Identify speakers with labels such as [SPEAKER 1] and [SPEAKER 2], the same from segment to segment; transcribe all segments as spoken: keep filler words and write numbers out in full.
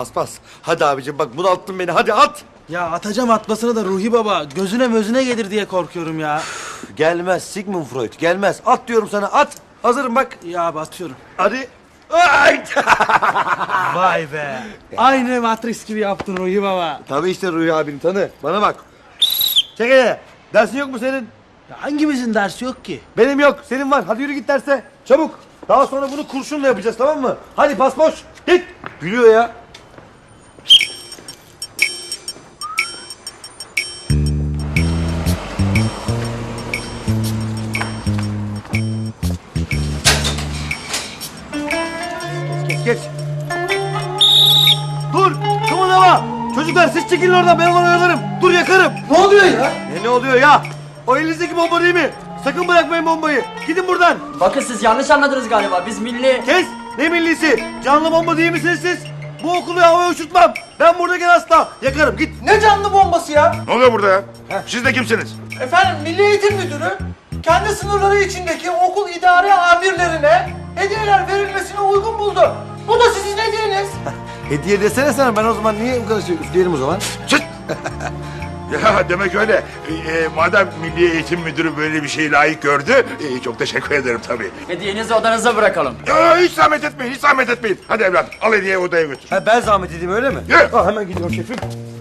[SPEAKER 1] Bas. Hadi abicim bak bunalttın beni. Hadi at.
[SPEAKER 2] Ya atacağım atmasını da Ruhi Baba gözüne mözüne gelir diye korkuyorum ya.
[SPEAKER 1] Gelmez Sigmund Freud. Gelmez. At diyorum sana. At. Hazırım bak.
[SPEAKER 2] Ya abi atıyorum.
[SPEAKER 1] Hadi. Ay!
[SPEAKER 2] Vay be. Aynı Matrix gibi yaptın Ruhi Baba.
[SPEAKER 1] Tabii işte Ruhi abim tanı. Bana bak. Çek hele. Dersin yok mu senin?
[SPEAKER 2] Ya hangimizin dersi yok ki?
[SPEAKER 1] Benim yok. Senin var. Hadi yürü git derse. Çabuk. Daha sonra bunu kurşunla yapacağız, tamam mı? Hadi pas boş. Git. Gülüyor ya. Geç geç. Dur. Kımıldama. Çocuklar siz çekilin oradan. Ben onu oyalarım. Dur yakarım.
[SPEAKER 2] Ne oluyor ya?
[SPEAKER 1] Ne ne oluyor ya? O elinizdeki bomba değil mi? Sakın bırakmayın bombayı. Gidin buradan.
[SPEAKER 3] Bakın siz yanlış anladınız galiba. Biz milli...
[SPEAKER 1] Kes! Ne millisi? Canlı bomba değil misiniz siz? Bu okulu havaya uçurtmam. Ben buradayken asla. Yakarım git.
[SPEAKER 4] Ne canlı bombası ya?
[SPEAKER 5] Ne oluyor burada ya? Siz de kimsiniz?
[SPEAKER 4] Efendim Milli Eğitim Müdürü kendi sınırları içindeki okul idare amirlerine hediyeler verilmesine uygun buldu. Bu da sizin hediyeniz.
[SPEAKER 1] Hediye desene sana, ben o zaman niye bu kadar şey üfleyelim o zaman?
[SPEAKER 5] Çıt! Ya demek öyle. E, e, madem Milli Eğitim Müdürü böyle bir şeyi layık gördü, e, çok teşekkür ederim tabii.
[SPEAKER 3] Hediyenizi odanıza bırakalım.
[SPEAKER 5] Ya, hiç zahmet etmeyin, hiç zahmet etmeyin. Hadi evladım, al hediyeyi odaya götür.
[SPEAKER 1] Ha, ben zahmet edeyim öyle mi?
[SPEAKER 5] Yürü.
[SPEAKER 1] Ha, hemen gidiyorum şefim.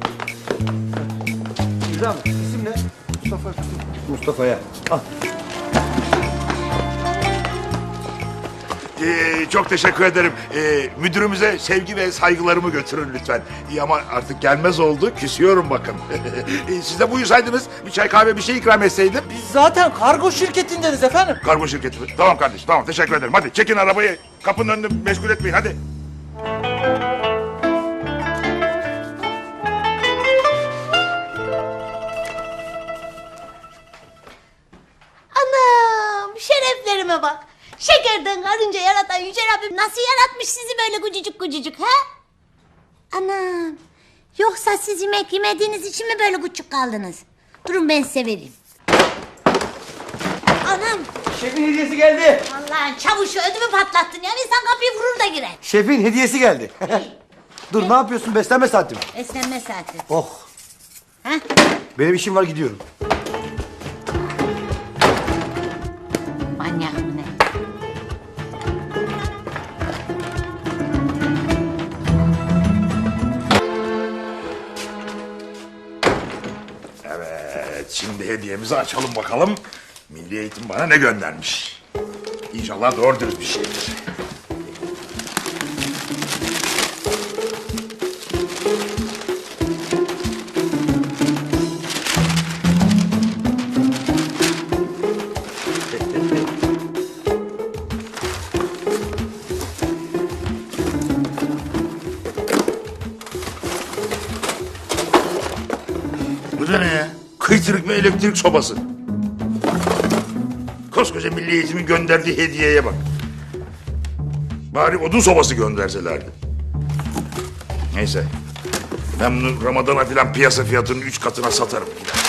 [SPEAKER 1] Güzel mi? İsim ne? Mustafa. Mustafa'ya. Al.
[SPEAKER 5] Ee, çok teşekkür ederim. Ee, müdürümüze sevgi ve saygılarımı götürün lütfen. İyi ama artık gelmez oldu, küsüyorum bakın. Ee, Siz de buyursaydınız, bir çay kahve bir şey ikram etseydim.
[SPEAKER 4] Biz zaten kargo şirketindeniz efendim.
[SPEAKER 5] Kargo şirketi mi? Tamam kardeşim, tamam teşekkür ederim. Hadi çekin arabayı, kapının önünde meşgul etmeyin, hadi.
[SPEAKER 6] Anam şereflerime bak. Şekerden karınca yaratan Yüce Rabbim nasıl yaratmış sizi böyle gucucuk gucucuk ha? Anam. Yoksa siz yemek yemediğiniz için mi böyle küçük kaldınız? Durun ben size vereyim. Anam.
[SPEAKER 1] Şefin hediyesi geldi.
[SPEAKER 6] Allah'ın çavuşu ödümü patlattın ya. İnsan kapıyı vurur da girer.
[SPEAKER 1] Şefin hediyesi geldi. Dur ne yapıyorsun, beslenme saati mi?
[SPEAKER 6] Beslenme saati.
[SPEAKER 1] Oh.
[SPEAKER 6] Ha?
[SPEAKER 1] Benim işim var, gidiyorum.
[SPEAKER 6] Manyak mı ne?
[SPEAKER 5] Evet, şimdi hediyemizi açalım bakalım. Milli Eğitim bana ne göndermiş? İnşallah doğru dürüst bir şeydir. Bu da ne ya? Kıytırık ve elektrik sobası. Koskoca Milli Eğitim'in gönderdiği hediyeye bak. Bari odun sobası gönderselerdi. Neyse. Ben bunu Ramazan'a filan piyasa fiyatının üç katına satarım.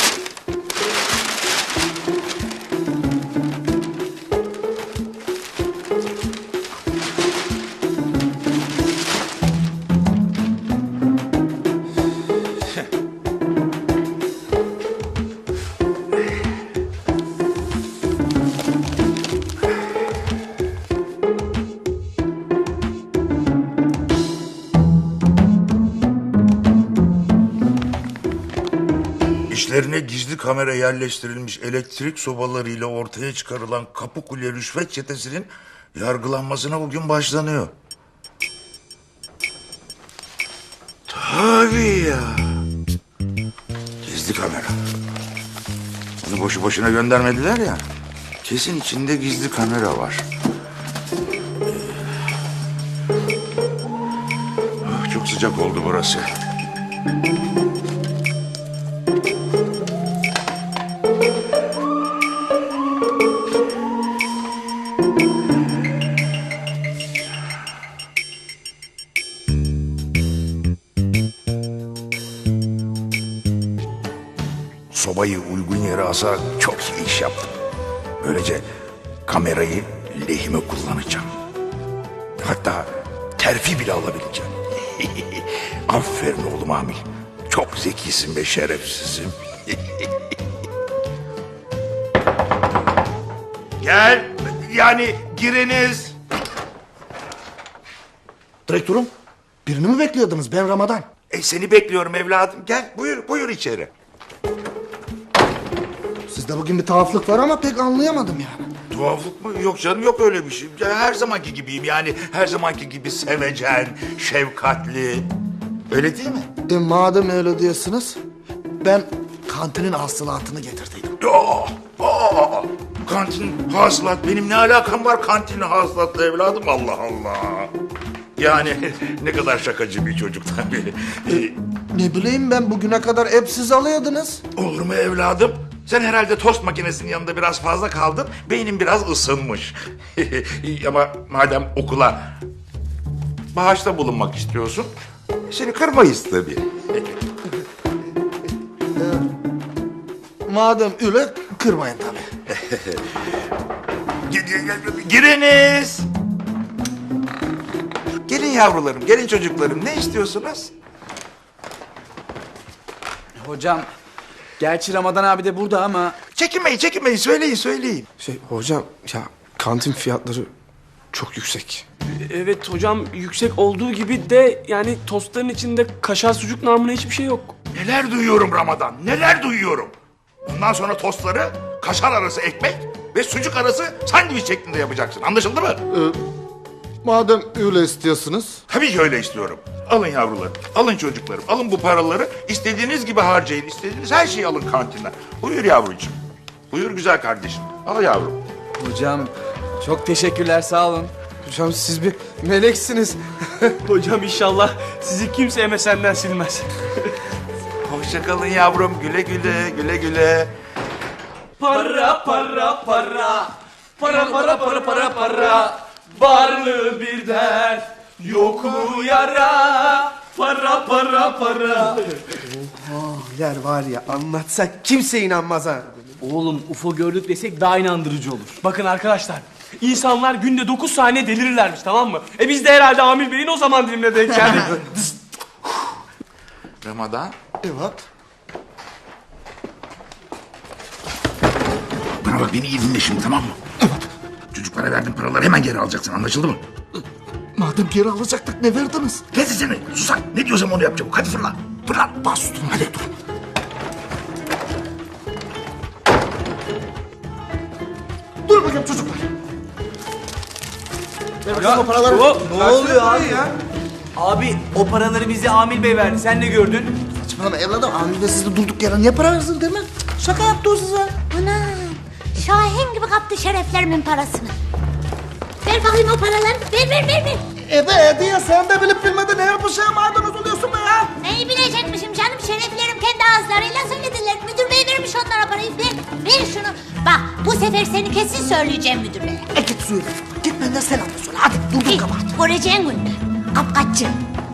[SPEAKER 5] İşlerine gizli kamera yerleştirilmiş elektrik sobalarıyla ortaya çıkarılan Kapıkule rüşvet çetesinin yargılanmasına bugün başlanıyor. Tabii ya. Gizli kamera. Bunu boşu boşuna göndermediler ya. Kesin içinde gizli kamera var. Ah, çok sıcak oldu burası. Sobayı uygun yere asarak çok iyi iş yaptım. Böylece kamerayı lehime kullanacağım. Hatta terfi bile alabileceğim. Aferin oğlum Amil. Çok zekisin be şerefsizim. Gel. Yani giriniz.
[SPEAKER 4] Direktörüm, birini mi bekliyordunuz? Ben Ramazan.
[SPEAKER 5] E, seni bekliyorum evladım. Gel buyur buyur içeri.
[SPEAKER 4] Sizde bugün bir tuhaflık var ama pek anlayamadım yani.
[SPEAKER 5] Tuhaflık mı? Yok canım yok öyle bir şey. Ya, her zamanki gibiyim yani. Her zamanki gibi sevecen, şefkatli. Öyle değil mi?
[SPEAKER 4] E madem öyle diyorsunuz, ben kantinin hasılatını getirdim.
[SPEAKER 5] Aa, aa, kantin hasılat. Benim ne alakam var kantin hasılatla evladım? Allah Allah. Yani ne kadar şakacı bir çocuk tabii. Ee,
[SPEAKER 4] Ne bileyim ben bugüne kadar hep siz alıyordunuz.
[SPEAKER 5] olur mu evladım? Sen herhalde tost makinesinin yanında biraz fazla kaldın. Beynin biraz ısınmış. Ama madem okula bağışta bulunmak istiyorsun, seni kırmayız tabii.
[SPEAKER 4] Madem öyle kırmayın tabii.
[SPEAKER 5] Gi- gi- gi- Giriniz. Gelin yavrularım, gelin çocuklarım. Ne istiyorsunuz?
[SPEAKER 2] Hocam, gerçi Ramazan abi de burada ama...
[SPEAKER 5] Çekinmeyin, çekinmeyin. Söyleyin, söyleyin.
[SPEAKER 7] Şey hocam ya kantin fiyatları çok yüksek.
[SPEAKER 8] Evet hocam, yüksek olduğu gibi de yani tostların içinde kaşar sucuk namına hiçbir şey yok.
[SPEAKER 5] Neler duyuyorum Ramazan, neler duyuyorum. Bundan sonra tostları kaşar arası ekmek ve sucuk arası sandviç şeklinde yapacaksın. Anlaşıldı mı?
[SPEAKER 4] Madem öyle istiyorsunuz.
[SPEAKER 5] Tabii ki öyle istiyorum. Alın yavrularım, alın çocuklarım, alın bu paraları. İstediğiniz gibi harcayın, istediğiniz her şeyi alın kantinden. Buyur yavrucuğum, buyur güzel kardeşim. Al yavrum.
[SPEAKER 2] Hocam, çok teşekkürler, sağ olun.
[SPEAKER 7] Hocam siz bir meleksiniz.
[SPEAKER 8] Hocam inşallah sizi kimse M S N'den silmez.
[SPEAKER 5] Hoşça kalın yavrum, güle güle, güle güle.
[SPEAKER 8] Para para para, para para para para para, varlığı bir dert, yokluğu yara, para para para.
[SPEAKER 7] Yer var ya anlatsak kimse inanmaz ha.
[SPEAKER 2] Oğlum, U F O gördük desek daha inandırıcı olur.
[SPEAKER 8] Bakın arkadaşlar, insanlar günde dokuz saniye delirirlermiş, tamam mı? E biz de herhalde Amil Bey'in o zaman dilimine denk geldik.
[SPEAKER 5] Ramazan.
[SPEAKER 4] Evet.
[SPEAKER 5] Bana bak beni iyi dinle şimdi tamam mı? Evet. Çocuklara verdiğin paraları hemen geri alacaksın anlaşıldı mı?
[SPEAKER 4] Madem geri alacaktık ne verdiniz?
[SPEAKER 5] Ne seni susak ne diyorsam onu yap çabuk hadi fırla. Fırla.
[SPEAKER 4] Bas üstüne hadi dur. Dur bakayım çocuklar. Ver bakayım o paraları.
[SPEAKER 2] Ne oluyor abi ya? Abi, o paraları bize Amil Bey verdi, sen ne gördün?
[SPEAKER 4] Saçmalama evladım. Amil de siz de durduk yere niye para versin değil mi? Şaka yaptı o size.
[SPEAKER 6] Anam. Şahin gibi kaptı şereflerimin parasını. Ver bakayım o paraları. Ver ver ver ver.
[SPEAKER 4] Ede ede ya sen de bilip bilmeden ne yapışa maydanoz oluyorsun be ya.
[SPEAKER 6] Neyi bilecekmişim canım, şereflerim kendi ağızlarıyla söylediler. Müdür bey vermiş onlara parayı. Ver, ver şunu. Bak bu sefer seni kesin söyleyeceğim müdür beye.
[SPEAKER 4] E git söyle. Git benden selam söyle. Hadi durduk
[SPEAKER 6] Git,
[SPEAKER 4] kabahat.
[SPEAKER 6] göreceğin gününü. Kapkaççı.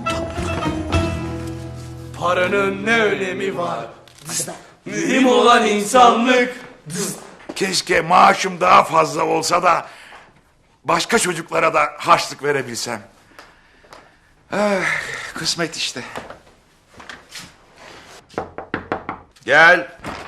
[SPEAKER 8] Paranın ne önemi var? Mühim olan insanlık.
[SPEAKER 5] Keşke maaşım daha fazla olsa da başka çocuklara da harçlık verebilsem. Ah, kısmet işte. Gel.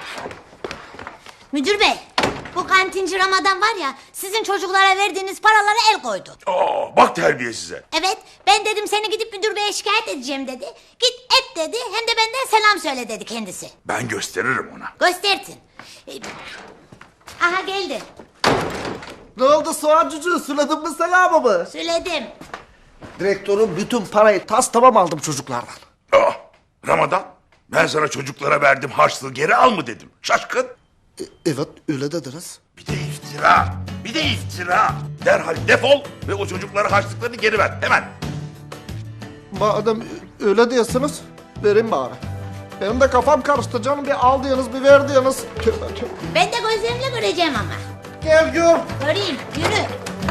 [SPEAKER 6] Müdür bey, bu kantinci Ramazan var ya, sizin çocuklara verdiğiniz paralara el koydu.
[SPEAKER 5] Aa, bak terbiye size.
[SPEAKER 6] Evet, ben dedim seni gidip müdür beye şikayet edeceğim dedi. Git et dedi, hem de benden selam söyle dedi kendisi.
[SPEAKER 5] Ben gösteririm ona.
[SPEAKER 6] Göstersin. Ee, Aha geldi.
[SPEAKER 4] Ne oldu soğan cücüğü? Söyledin mi selamımı?
[SPEAKER 6] Söyledim.
[SPEAKER 4] Direktörüm bütün parayı tas tamam aldım çocuklardan.
[SPEAKER 5] Aa, Ramazan, ben sana çocuklara verdim harçlığı geri al mı dedim. Şaşkın.
[SPEAKER 4] E, evet öyle dediniz.
[SPEAKER 5] Bir de iftira. Bir de iftira. Derhal defol ve o çocuklara harçlıklarını geri ver. Hemen.
[SPEAKER 4] Madem öyle diyorsunuz verin bari. Benim de kafam karıştı canım. Bir al diyorsunuz bir ver diyorsunuz. Tövbe tövbe.
[SPEAKER 6] Ben de gözlerimle göreceğim ama.
[SPEAKER 4] Gel gör.
[SPEAKER 6] Göreyim, yürü.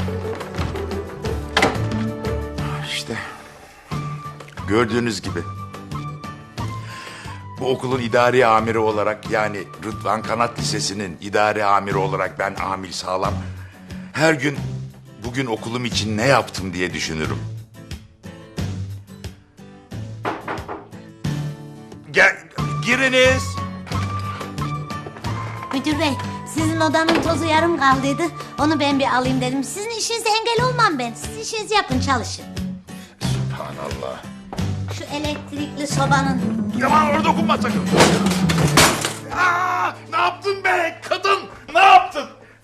[SPEAKER 5] İşte gördüğünüz gibi bu okulun idari amiri olarak yani Rıdvan Kanat Lisesi'nin idari amiri olarak ben Amil Sağlam her gün bugün okulum için ne yaptım diye düşünürüm. giriniz.
[SPEAKER 6] Müdür bey, sizin odanın tozu yarım kaldıydı. Onu ben bir alayım dedim. Sizin işinize engel olmam ben. Siz işinizi yapın, çalışın.
[SPEAKER 5] Subhanallah.
[SPEAKER 6] Şu elektrikli sobanın.
[SPEAKER 5] Yaman orada dokunma sakın. Aa, ne yaptın be kadın? Ne yaptın?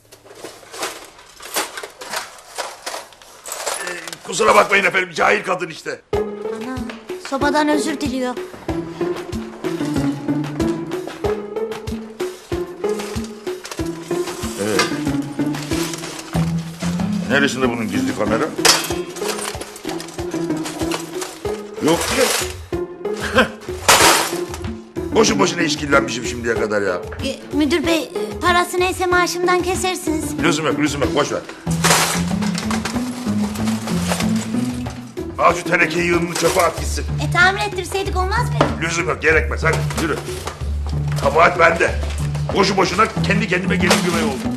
[SPEAKER 5] Ee, kusura bakmayın efendim, cahil kadın işte.
[SPEAKER 6] Ana, sobadan özür diliyor.
[SPEAKER 5] Neresinde bunun gizli kamera? Yok ki. Boşu boşuna işkillenmişim şimdiye kadar ya.
[SPEAKER 6] E, müdür bey, e, parası neyse maaşımdan kesersiniz.
[SPEAKER 5] Lüzum yok, lüzum yok. Boş ver. Al şu tenekeyi yığınını çöpe at gitsin.
[SPEAKER 6] E tamir ettirseydik olmaz mı?
[SPEAKER 5] Lüzum yok, gerekmez. Hadi yürü. Kabahat bende. Boşu boşuna kendi kendime gelin güvey oldum.